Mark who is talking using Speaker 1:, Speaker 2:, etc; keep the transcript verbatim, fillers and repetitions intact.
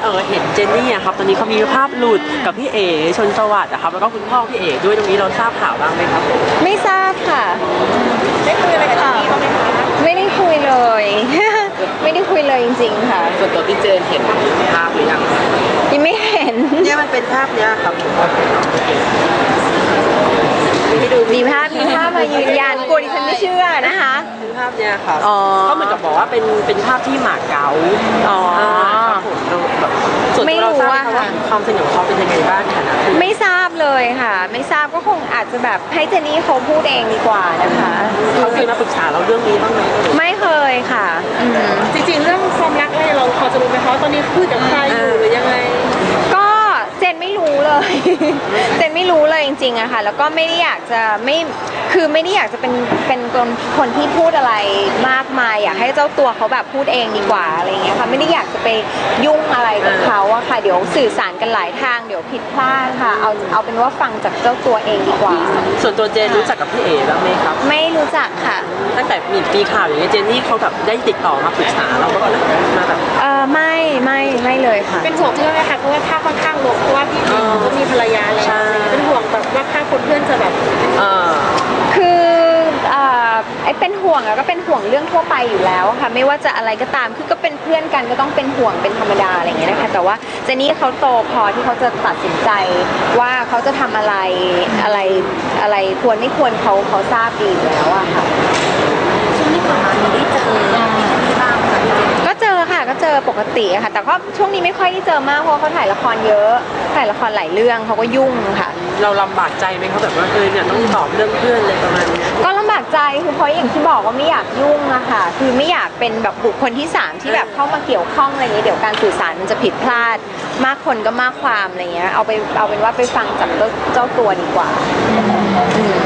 Speaker 1: เออเห็นเจนนี่อะครับตอนนี้เขามีภาพหลุดกับพี่เอ๋ชนสวัสดิ์นะครับแล้วก็คุณพ่อพี่เอ๋ด้วยตรงนี้เราทราบข่าวบ้างไหมครับ
Speaker 2: ไม่ทราบค่ะ
Speaker 3: ได้คุยอะไรกับเจนนี่บ้างไหมคะ
Speaker 2: ไม่ได้คุยเลย ไม่ได้คุยเลยจริงๆค่ะ
Speaker 1: ส่วนตัวพี่เจนเห็นภาพหรือยัง
Speaker 2: ยังไม่เห็น
Speaker 1: เนี่ยมันเป็นภาพเนี้ยครับ
Speaker 2: มีภาพมีภาพมายืนยันกลัวดิฉันไม่เชื่อนะคะ
Speaker 1: เป็นภาพเนี้ยครับเขาเหมือนกับบอกว่าเป็นเป็นภาพที่หมากเก๊าอ๋อครับผมแบบส่วนตัวเราทราบไหมว่าความสนิทของเขาเป็นยังไงบ้างค่ะนะ
Speaker 2: ไม่ทราบเลยค่ะไม่ทราบก็คงอาจจะแบบให้เจนนี่เขาพูดเองดีกว่านะคะ
Speaker 1: เขาเคยมาปรึกษาเราเรื่องนี้บ้างไหม
Speaker 2: ไม่เคยค่ะ
Speaker 3: จริงๆเรื่องความรักอะไรเราพอจะรู้ไหมคะตอนนี้คุยกับใครอยู่หรือยังไง
Speaker 2: ก็เจนไม่รู้เลยเจนไม่รู้เลยจริงๆอะค่ะแล้วก็ไม่ได้อยากจะไม่คือไม่ได้อยากจะเป็นเป็นคนคนที่พูดอะไรมากมายอยากให้เจ้าตัวเขาแบบพูดเองดีกว่าอะไรเงี้ยค่ะไม่ได้อยากจะไปยุ่งอะไรกับเขาอะค่ะเดี๋ยวสื่อสารกันหลายทางเดี๋ยวผิดพลาดค่ะเอาเอาเป็นว่าฟังจากเจ้าตัวเองดีกว่า
Speaker 1: ส่วนตัวเจนรู้จักกับพี่เอ๋บ้างไหมครับ
Speaker 2: ไม่รู้จักค่ะ
Speaker 1: ตั้งแต่มีปีข่าวอย่างเงี้ยเจนนี่เขาแบบได้ติดต่อมาปรึกษาเราก็มาแบบ
Speaker 2: เออไม่ไม่ไม่เลยค่ะ
Speaker 3: เป็นห่วงเพื่อนไหมคะเพราะว่าถ้าค่อนข้างลงเพราะว่าพี่เอ๋ก็มีภรรยาแล้วเป็นห่วงแบบว่าถ้าคนเพื่อนจะแบบ
Speaker 2: คือไอ้เป็นห่วงอะก็เป็นห่วงเรื่องทั่วไปอยู่แล้วค่ะไม่ว่าจะอะไรก็ตามคือก็เป็นเพื่อนกันก็ต้องเป็นห่วงเป็นธรรมดาอะไรอย่างเงี้ยนะคะแต่ว่าเจนนี่เขาโตพอที่เขาจะตัดสินใจว่าเขาจะทำอะไรอะไรอะไรควรไม่ควรเขาเขาทราบดีอยู่แล้วอะค่ะ
Speaker 3: ช่วงนี้ผ่านมาได้เจอบ้าง
Speaker 2: ก็เจอค่ะก็เจอปกติค่ะแต่ก็ช่วงนี้ไม่ค่อยได้เจอมากเพราะเขาถ่ายละครเยอะถ่ายละครหลายเรื่องเขาก็ยุ่งค่ะ
Speaker 1: เราลำบากใจไหมเขาแบบว่าเออเนี่ยต้องตอบเรื่องเพื่อนอะไรประมาณนี้
Speaker 2: ก็ลำบากใจคือเพราะอย่างที่บอกว่าไม่อยากยุ่งอะค่ะคือไม่อยากเป็นแบบบุคคลที่สามที่แบบเข้ามาเกี่ยวข้องอะไรอย่างนี้เดี๋ยวการสื่อสารมันจะผิดพลาดมากคนก็มากความอะไรเงี้ยเอาไปเอาเป็นว่าไปฟังจากเจ้าตัวดีกว่า